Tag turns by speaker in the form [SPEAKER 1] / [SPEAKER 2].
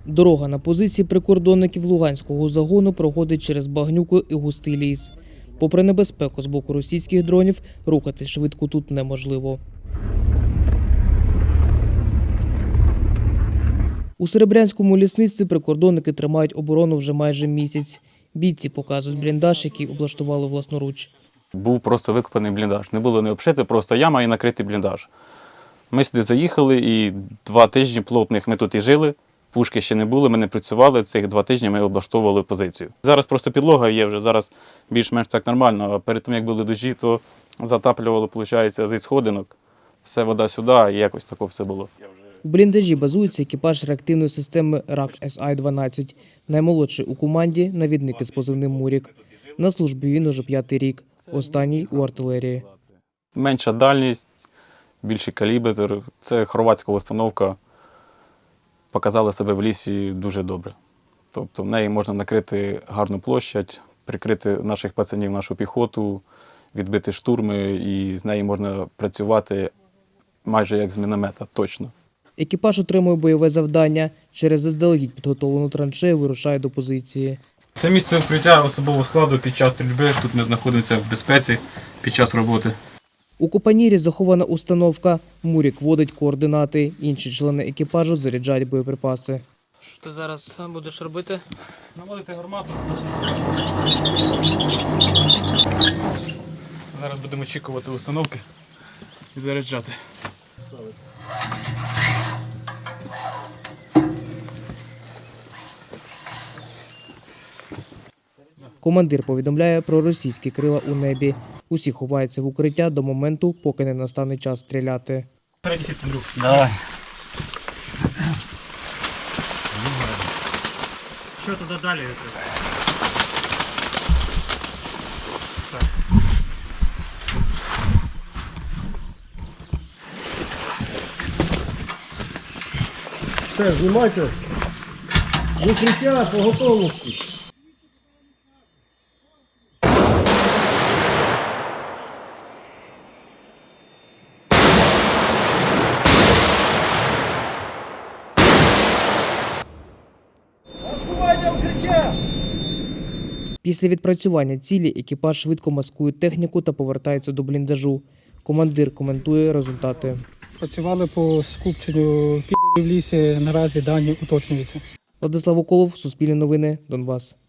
[SPEAKER 1] Дорога на позиції прикордонників Луганського загону проходить через багнюку і густий ліс. Попри небезпеку з боку російських дронів, рухатись швидко тут неможливо. У Серебрянському лісництві прикордонники тримають оборону вже майже місяць. Бійці показують бліндаж, який облаштували власноруч.
[SPEAKER 2] Був просто викопаний бліндаж. Не було не обшити, просто яма і накритий бліндаж. Ми сюди заїхали і 2 тижні плотних ми тут і жили. Пушки ще не було, ми не працювали. Цих 2 тижні ми облаштовували позицію. Зараз просто підлога є вже, зараз більш-менш так нормально. А перед тим, як були дощі, то затаплювало, виходить, зі сходинок. Все вода сюди, і якось таке все було.
[SPEAKER 1] У бліндажі базується екіпаж реактивної системи РАК-СА-12. Наймолодший у команді – навідник із позивним «Мурік». На службі він уже 5-й рік, останній у артилерії.
[SPEAKER 2] Менша дальність, більший калібр. Це хорватська установка. Показала себе в лісі дуже добре. Тобто в неї можна накрити гарну площадь, прикрити наших пацанів, нашу піхоту, відбити штурми, і з нею можна працювати майже як з міномета, точно.
[SPEAKER 1] Екіпаж отримує бойове завдання. Через заздалегідь підготовлену траншею вирушає до позиції.
[SPEAKER 2] Це місце укриття особового складу під час стрільби. Тут ми знаходимося в безпеці під час роботи.
[SPEAKER 1] У купанірі захована установка. Мурік вводить координати. Інші члени екіпажу заряджають боєприпаси. Що ти зараз будеш робити?
[SPEAKER 2] Наводити гармату. Зараз будемо очікувати установки і заряджати.
[SPEAKER 1] Командир повідомляє про російські крила у небі. Усі ховаються в укриття до моменту, поки не настане час стріляти.
[SPEAKER 2] Перенесіть, Андрюх.
[SPEAKER 3] Давай.
[SPEAKER 4] Що туди далі?
[SPEAKER 3] Все, знімайте. В укриття по готовності.
[SPEAKER 1] Після відпрацювання цілі екіпаж швидко маскує техніку та повертається до бліндажу. Командир коментує результати.
[SPEAKER 4] Працювали по скупченню підерів в лісі, наразі дані уточнюються.
[SPEAKER 1] Владислав Уколов, Суспільне новини, Донбас.